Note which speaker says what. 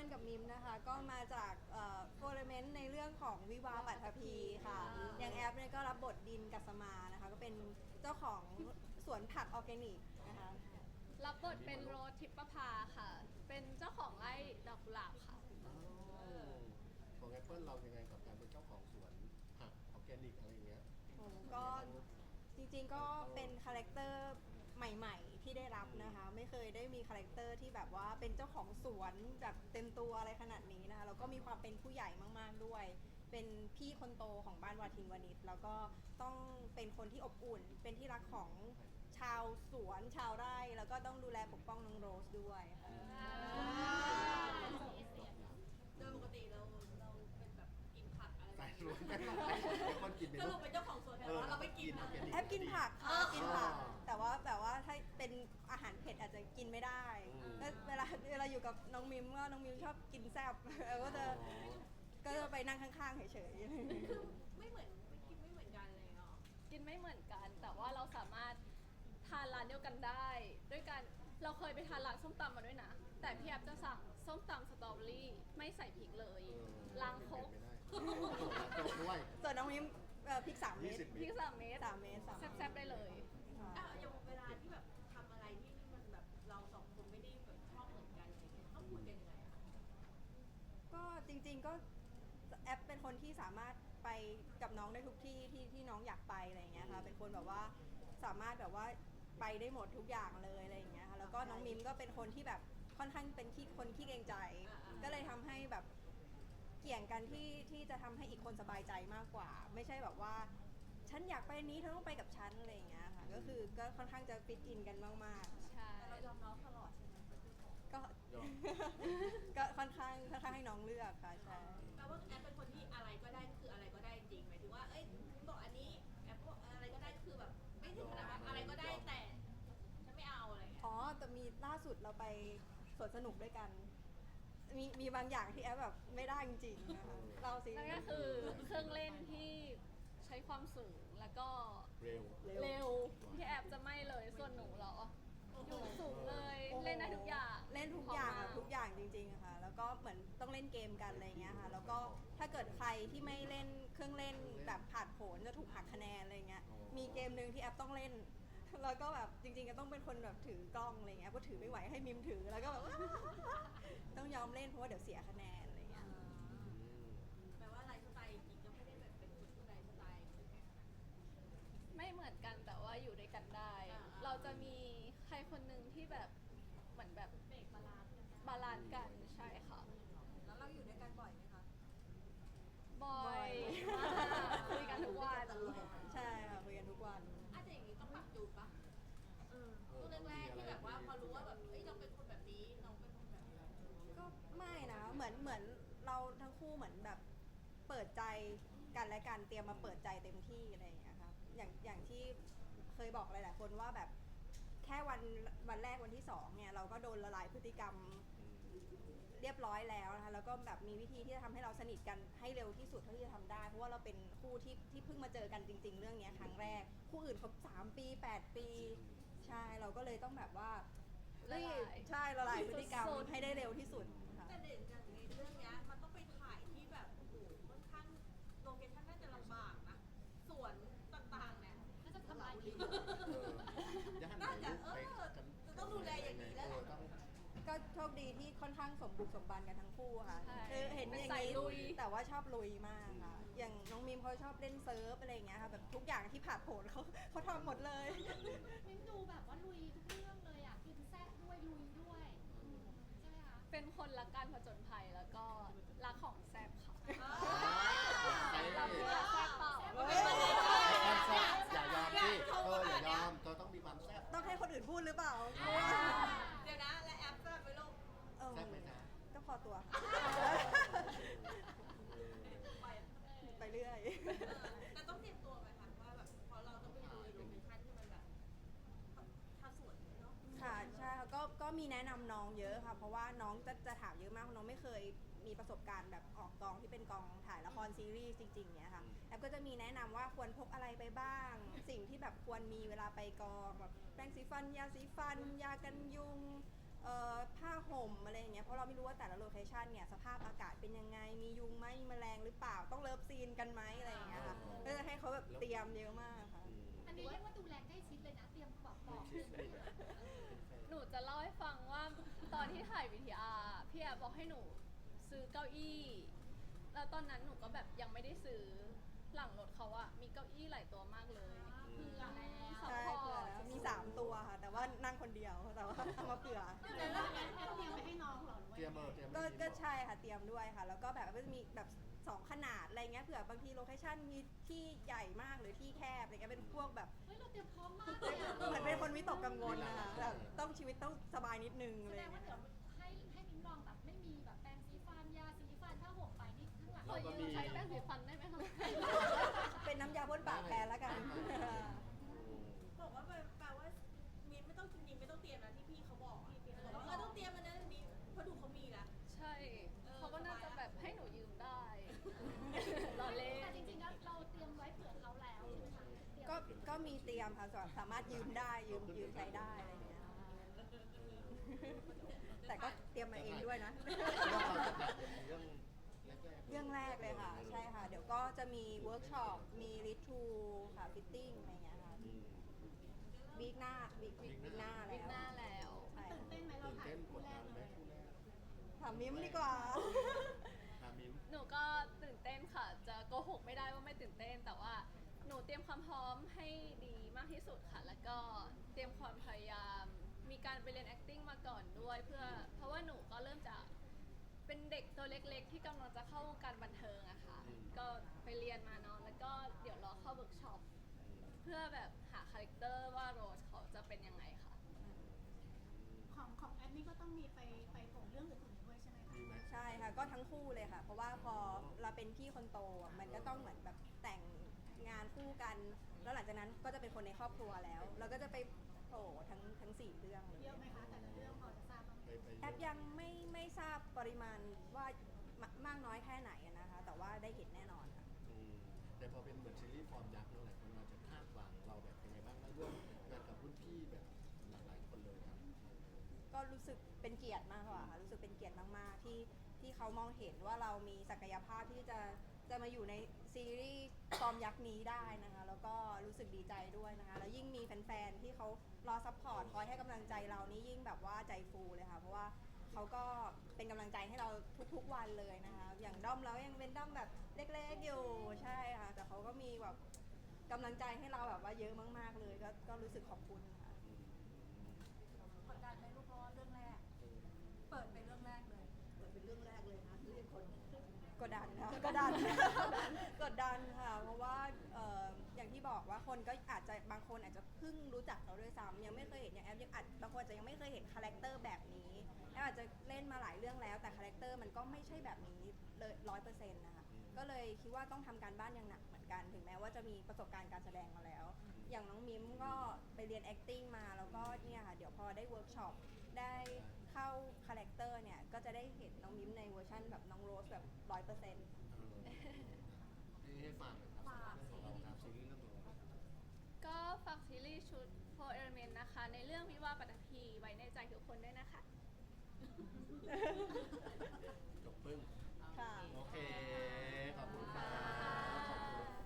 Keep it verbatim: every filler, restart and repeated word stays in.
Speaker 1: ปิ้ลกับมิมนะคะก็มาจากโฟร์เมนต์ในเรื่องของวิวาห์ปัทภีค่ะอย่างแอปเนี่ยก็รับบทดินกัสมานะคะก็เป็นเจ้าของสวนผักออร์แกนิกนะคะ
Speaker 2: รับบทเป็นโรสทิพประภาค่ะ เป็นเจ้าของไร่ดอกกุหลาบค่ะ
Speaker 3: ของแอปเปิลเรายังไงกับการเป็นเจ้าของสวนผักออร์แกนิกอะไรอย่างเงี้ย
Speaker 1: ก็จริงๆก็เป็นคาแรคเตอร์ใหม่ๆที่ได้รับนะคะไม่เคยได้มีคาแรคเตอร์ที่แบบว่าเป็นเจ้าของสวนแบบเต็มตัวอะไรขนาดนี้นะคะแล้วก็มีความเป็นผู้ใหญ่มากๆด้วยเป็นพี่คนโตของบ้านวาทินวณิชแล้วก็ต้องเป็นคนที่อบอุ่นเป็นที่รักของชาวสวนชาวไร่แล้วก็ต้องดูแลปกป้องน้องโรสด้วยค่ะ
Speaker 4: โดยปกติเราเราเป็นแบบกินผักอะไร
Speaker 3: สายรวนไม่ต้องเป็นคนกิน
Speaker 4: สรุปเป็นเจ้าของสวนแต่ว่าเราไม่กินนะ
Speaker 1: แอปกินผักค่ะกินผักแต่ว่าแต่ว่าถ้าเป็นอาหารเผ็ดอาจจะกินไม่ได้ก็เวลาเวลาอยู่กับน้องมิมก็น้องมิมชอบกินแซ่บก็จะก็จะไปนั่งข้างๆเฉย
Speaker 4: ๆคือไม่เหมือนไม่กินไม่เหมือนกันเลยเนาะ
Speaker 2: กินไม่เหมือนกันแต่ว่าเราสามารถทานร้านเดียวกันได้ด้วยกันเราเคยไปทานร้านส้มตำมาด้วยนะแต่พี่แอฟจะสั่งส้มตำสตรอเบอรี่ไม่ใส่พริกเลยล้างครก
Speaker 3: ด้วย
Speaker 1: ส่วนน้องมิมพริกสามเม็ด
Speaker 2: พริกสามเม็ด
Speaker 1: สามเม็ด
Speaker 2: แซ่บๆได้เลย
Speaker 4: อ่ะอย่างเวลาที่แบบทำอะไรที่มันแบบเราสองคนไม่ได้แบบชอบเหมือนกันอะไรเงี้ยต้องคุยกันยังไงอะ
Speaker 1: ก็จริงๆก็แอปเป็นคนที่สามารถไปกับน้องได้ทุกที่ที่ที่น้องอยากไปอะไรอย่างเงี้ยค่ะเป็นคนแบบว่าสามารถแบบว่าไปได้หมดทุกอย่างเลยอะไรอย่างเงี้ยค่ะแล้วก็น้องมิมก็เป็นคนที่แบบค่อนข้างเป็นขี้คนขี้เกรงใจก็เลยทำให้แบบเกี่ยงกันที่ที่จะทำให้อีกคนสบายใจมากกว่าไม่ใช่แบบว่าฉันอยากไปนี้เธอต้องไปกับฉันอะไรอย่างเงี้ยค่ะก็คือก็ค่อนข้างจะฟิตอินกันมาก
Speaker 2: ๆใช่
Speaker 4: เรายอมน้องตลอดใช่ไหม
Speaker 1: ก็ก็ค่อนข้างค่อนข้างให้น้องเลือกค่ะใช่
Speaker 4: แปลว่าแอปเป็นคนที่อะไรก็ได้คืออะไรก็ได้จริงหมายถึงว่าเอ้ยบอกอันนี้แอปบอกอะไรก็ได้คือแบบไม่ถึงขนาดว่าอะไรก็ได้แต่ฉันไม่เอาอะไร
Speaker 1: อ๋อแต่มีล่าสุดเราไปสวนสนุกด้วยกันมีมีบางอย่างที่แอปแบบไม่ได้จริงๆนะคะเราสิ
Speaker 2: นั่นก็คือเครื่องเล่นที่ใช้ความสูงแล้วก็
Speaker 3: เร็ว
Speaker 2: เร็วที่แอปจะไม่เลยส่วนหนูเหรออยู่สูงเลยเล่นได้ทุกอย่าง
Speaker 1: เล่นทุกอย่างทุกอย่างจริงๆค่ะแล้วก็เหมือนต้องเล่นเกมกันอะไรเงี้ยค่ะแล้วก็ถ้าเกิดใครที่ไม่เล่นเครื่องเล่นแบบผ่านโผนจะถูกหักคะแนนอะไรเงี้ยมีเกมหนึ่งที่แอปต้องเล่นแล้วก็แบบจริงๆก็ต้องเป็นคนแบบถือกล้องอะไรเงี้ยก็ถือไม่ไหวให้มิมถือแล้วก็แบบต้องยอมเล่นเพราะว่าเดี๋ยวเสียคะแนนอะไรเงี้ย
Speaker 4: แปลว่าไลฟ์สไตล์จริงก็ไม่ได้แบบเป็นคนไลฟ์สไตล์
Speaker 2: ไม่เหมือนกันแต่ว่าอยู่ด้วยกันได้ เราจะมีใครคนหนึ่งที่แบบเหมือนแบบ
Speaker 4: เบรกบาลานซ์
Speaker 2: บาลานซ์กันใช่ค่ะ
Speaker 4: แล้วเราอยู่ด้วยกันบ่อยไหมคะ
Speaker 2: บ่อยคุยกันทุกวัน
Speaker 1: ใช่ค่ะคุยกันทุกวัน
Speaker 4: อาจจะอย่างนี้ต้องปรับจูนปะเออช่วงแรกๆที่แบบว่าพอรู้ว่าแบบเอ้ยเราเป็นคนแบบนี้น้องเป็นคนแบบนี้
Speaker 1: ก็ไม่นะเหมือนเหมือนเราทั้งคู่เหมือนแบบเปิดใจกันและกันเตรียมมาเปิดใจเต็มที่อะไรอย่างเงี้ยครับอย่างอย่างที่เคยบอกหลายๆคนว่าแบบแค่วันวันแรกวันที่สองเนี่ยเราก็โดนละลายพฤติกรรมเรียบร้อยแล้วนะคะแล้วก็แบบมีวิธีที่จะทำให้เราสนิทกันให้เร็วที่สุดเท่าที่จะทำได้เพราะว่าเราเป็นคู่ที่ที่เพิ่งมาเจอกันจริงๆเรื่องนี้ครั้งแรกคู่อื่นเขาสามปีแปดปีใช่เราก็เลยต้องแบบว่ารีบใช่ละลายพฤติกรรมให้ได้เร็วที่สุด
Speaker 4: แต่เด่นจากในเรื่องนี้มันต้องไปถ่ายที่แบบโอ้โหค่อนข้างโลเคชั่นน่าจะลำบากนะสวนต่างๆเนี่ยน่าจะทำลายดีน่าจะเออจะต้องดูแลอย่างนี้แล้ว
Speaker 1: ก็โชคดีที่ค่อนข้างสมบุกสมบันกันทั้งคู่ค่ะคือเห็นอย่างนี้แต่ว่าชอบลุยมากค่ะอย่างน้องมิมเขาชอบเล่นเซิร์ฟอะไรอย่างเงี้ยค่ะแบบทุกอย่างที่ผ่านโผล่เขาเขาทำหมดเลย
Speaker 5: มิมดูแบบว่าลุยทุกเรื่องเลยอ่ะกินแซ่บด้วยลุยด้วยใช่ไหมคะ
Speaker 2: เป็นคนรักการผจญภัยแล้วก็รักของแซ่บค่ะเราคือรักแซ่บเปล่า
Speaker 3: อย่ายอมสิเอออย่ายอมเธอต้องมีความแซ่บ
Speaker 1: ต้องให้คนอื่นพูดหรือเปล่า
Speaker 4: เดี๋ยวนะและแอปแซ่บไปลูก
Speaker 3: แซ่บไหมจ๊ะ
Speaker 1: ก็พอตัวไปเรื่อย
Speaker 4: แต่ต้องเตรียมตัวไหมคะว่าแบบพอเราต้องไปดูโลเคชั่นที่มันแบบทำสวนเนาะ
Speaker 1: ค่ะใช่ก็ก็มีแนะนำน้องเยอะค่ะเพราะว่าน้องจะจะถามเยอะมากน้องไม่เคยมีประสบการณ์แบบออกกองที่เป็นกองถ่ายละครซีรีส์จริงๆเนี้ยค่ะแอปก็จะมีแนะนำว่าควรพกอะไรไปบ้างสิ่งที่แบบควรมีเวลาไปกองแบบแปรงสีฟันยาสีฟันยากันยุงเอ่อผ้าห่มอะไรอย่างเงี้ยเพราะเราไม่รู้ว่าแต่ละโลเคชันเนี่ยสภาพอากาศเป็นยังไงมียุงไหมมีแมลงหรือเปล่าต้องเลิฟซีนกันไหมอะไรอย่างเงี้ยค่ะก็จะให้เขาแบบเตรียมเยอะมากค่ะ
Speaker 3: อืม
Speaker 5: อันนี้เรียกว่าดูแลใกล้ชิดเลยนะ เตรียมบอกบ
Speaker 3: ไม่
Speaker 5: อก
Speaker 3: คิดเลยอะเป็นแฟน
Speaker 2: หนูจะเล่าให้ฟังว่าตอนที่ถ่ายวีทีอาร์พี่แอบบอกให้หนูซื้อเก้าอี้ แล้วตอนนั้นหนูก็แบบยังไม่ได้ซื้อหลังรถเขาอะมีเก้าอี้หลายตัวมากเลย
Speaker 5: เผื่อแล้ว
Speaker 2: ซัพ
Speaker 1: ใช่
Speaker 2: พอ
Speaker 1: เผื่อ
Speaker 2: ร์ต
Speaker 1: แล้วมีสามตัวค่ะ แต่ว่านั่งคนเดียวแต่ว่าเอามาเผื่อ
Speaker 5: แต่ว่าแอนเตรียมไปให้น้องเหรอหรือว่า
Speaker 3: เตรียมเออเตรียม
Speaker 1: ก็
Speaker 3: ไม่ดี
Speaker 1: ก็
Speaker 3: บอก
Speaker 1: ใช่ค่ะเตรียมด้วยค่ะ แล้วก็แบบก็จะมีแบบสองขนาดอะไรเงี้ยเผื่อบางทีโลเคชั่นมีที่ใหญ่มากหรือที่แคบอะไรเงี้ยเป็นพวกแบบ
Speaker 5: เฮ้ยเราเตรียมพร้อมมากเลยอะ
Speaker 1: เหมือนเป็นคนวิตกกังวลนะคะแบบต้องชีวิตต้องสบายนิดนึง
Speaker 5: แส
Speaker 1: อะไร
Speaker 5: ดงว่า
Speaker 1: เงี้ย
Speaker 5: เดี๋ยวให้ให้มิ้นลองแบบไม่มีแบบแปรงสีฟันยาสีฟันผ้าห่มไปนี่ข้างหลัง
Speaker 2: ขอยืมใช้แป้งสีฟันได้ไหมคะ
Speaker 1: เป็นน้ำยาพ่นปากแทนแล้วกัน
Speaker 4: บอกว่าแปลว่ามีไม่ต้องจริงๆไม่ต้องเตรียมนะที่พี่เขาบอกอะบอกว่าเออต้องเตรียมมันนะนี้เพราะดูเขามีแล้ว
Speaker 2: ใช่ เขาก็น่าจะแบบให้หนูยืมได้รอเล่น
Speaker 5: แต่จริงๆแล้วเราเตรียมไว้เผื่อเขาแล้วใช่ไหมคะเตรียม
Speaker 1: ก็ก็มีเตรียมค่ะสามารถยืมได้ยืมยืมใช้ได้อะไรเงี้ยแต่ก็เตรียมมาเองด้วยนะ
Speaker 3: เรื่องแรกๆ
Speaker 1: เรื่องแรกเลยค่ะ ใช่ค่ะ เดี๋ยวก็จะมีเวิร์กช็อปมีรีทูค่ะฟิตติ้งอะไรเงี้ยค่ะ
Speaker 3: อืม
Speaker 1: วีคหน้าวีควีคหน้า
Speaker 2: วิ
Speaker 1: แล้
Speaker 2: ก
Speaker 1: ว
Speaker 2: หน้าแล้ว
Speaker 1: ใช่
Speaker 5: ตื่นเต้นไหมเรา
Speaker 3: ตื่น
Speaker 5: ถ่าย
Speaker 3: เต้นก
Speaker 5: คู่
Speaker 3: ด
Speaker 5: แร
Speaker 3: ดั
Speaker 5: ก
Speaker 3: น
Speaker 5: เล
Speaker 3: ไหม
Speaker 5: ย
Speaker 3: คู่แรก
Speaker 1: ถามมิ้มดีกว่า
Speaker 3: ถามมิ้ม
Speaker 2: หนูก็ตื่นเต้นค่ะ จะโกหกไม่ได้ว่าไม่ตื่นเต้น แต่ว่าหนูเตรียมความพร้อมให้ดีมากที่สุดค่ะ แล้วก็เตรียมความพยายาม มีการไปเรียน acting มาก่อนด้วย เพื่อ เพราะว่าหนูก็เริ่มจากเป็นเด็กตัวเล็กๆ ที่กำลังจะเข้าวงการบันเทิงอะค่ะ ก็ไปเรียนมาเนาะ แล้วก็เดี๋ยวรอเข้าเวิร์กช็อป เพื่อแบบหาคาแรคเตอร์ว่าโรสเขาจะเป็นยังไงค่ะ
Speaker 5: ของของแอดนี่ก็ต้องมีไปไปโผล่เรื่องอื่นๆด้วยใช่ไหมคะ
Speaker 3: มีไหม
Speaker 1: ใช่ค่ะ ก็ทั้งคู่เลยค่ะ เพราะว่าพอเราเป็นพี่คนโตอะมันก็ต้องเหมือนแบบแต่งงานคู่กัน แล้วหลังจากนั้นก็จะเป็นคนในครอบครัวแล้ว เราก็จะไปโผล่ทั้งทั้งสี่เรื่องเลย
Speaker 5: เยอะไหมคะแต่ละเรื่องพอจะทราบบ้างไหม
Speaker 3: ไปไป
Speaker 1: แอปยังไม่ไม่ทราบปริมาณว่ามามากน้อยแค่ไหนอะนะคะ แต่ว่าได้เห็นแน่นอนค่ะ
Speaker 3: อืมแต่พอเป็นเหมือนซีรีส์ฟอร์มยักษ์เนอะหลายคนอาจจะคาดหวังเราแบบยังไงบ้างแล้วร่วมงานกับรุ่นพี่แบบหลากหลายคนเลยครับ
Speaker 1: ก็รู้สึกเป็นเกียรติมากกว่าค่ะรู้สึกเป็นเกียรติมากๆที่ที่เขามองเห็นว่าเรามีศักยภาพที่จะจะมาอยู่ในซีรีส์ฟอร์มยักษ์นี้ได้นะคะ แล้วก็รู้สึกดีใจด้วยนะคะ แล้วยิ่งมีแฟนๆที่เขารอซัพพอร์ตคอยให้กำลังใจเรานี่ยิ่งแบบว่าใจฟูเลยค่ะ เพราะว่าเขาก็เป็นกำลังใจให้เราทุกๆวันเลยนะคะ อย่างด้อมเรายังเป็นด้อมแบบเล็กๆอยู่ใช่ค่ะ แต่เขาก็มีแบบกำลังใจให้เราแบบว่าเยอะมากๆเลย ก็ก็รู้สึกขอบคุณค่ะ
Speaker 3: อืม
Speaker 4: กดดันไหมลูกเพราะว่าเรื่องแรก เปิดเป็นเรื่องแรกเลย เปิดเป็นเรื่องแรกเลยนะเรียกคน
Speaker 1: กดดันค่ะกดดัน กดดันค่ะ เพราะว่าเอ่ออย่างที่บอกว่าคนก็อาจจะบางคนอาจจะเพิ่งรู้จักเราด้วยซ้ำยังไม่เคยเห็นอย่างแอปยังอาจบางคนอาจจะยังไม่เคยเห็นคาแรคเตอร์แบบนี้แอปอาจจะเล่นมาหลายเรื่องแล้ว แต่คาแรคเตอร์มันก็ไม่ใช่แบบนี้เลยร้อยเปอร์เซ็นต์นะคะก็เลยคิดว่าต้องทำการบ้านอย่างหนักเหมือนกันถึงแม้ว่าจะมีประสบการณ์การแสดงมาแล้ว อย่างน้องมิมก็ไปเรียน acting มาแล้วก็เนี่ยค่ะเดี๋ยวพอได้เวิร์กช็อปได้เข้าคาแรคเตอร์เนี่ยก็จะได้เห็นน้องมิมในเวอร์ชันแบบน้องโรสแบบร้อยเปอร์เซ็นต์
Speaker 3: เออให้ให้ฝากหน่อยครับ
Speaker 4: ฝาก
Speaker 3: ของเราครับซีรีส์เรื่องของเรา
Speaker 2: ก็ฝากซีรีส์ชุด โฟร์ Element นะคะ ในเรื่องวิวาห์ปัตตภีไว้ในใจทุกคนด้วยนะคะ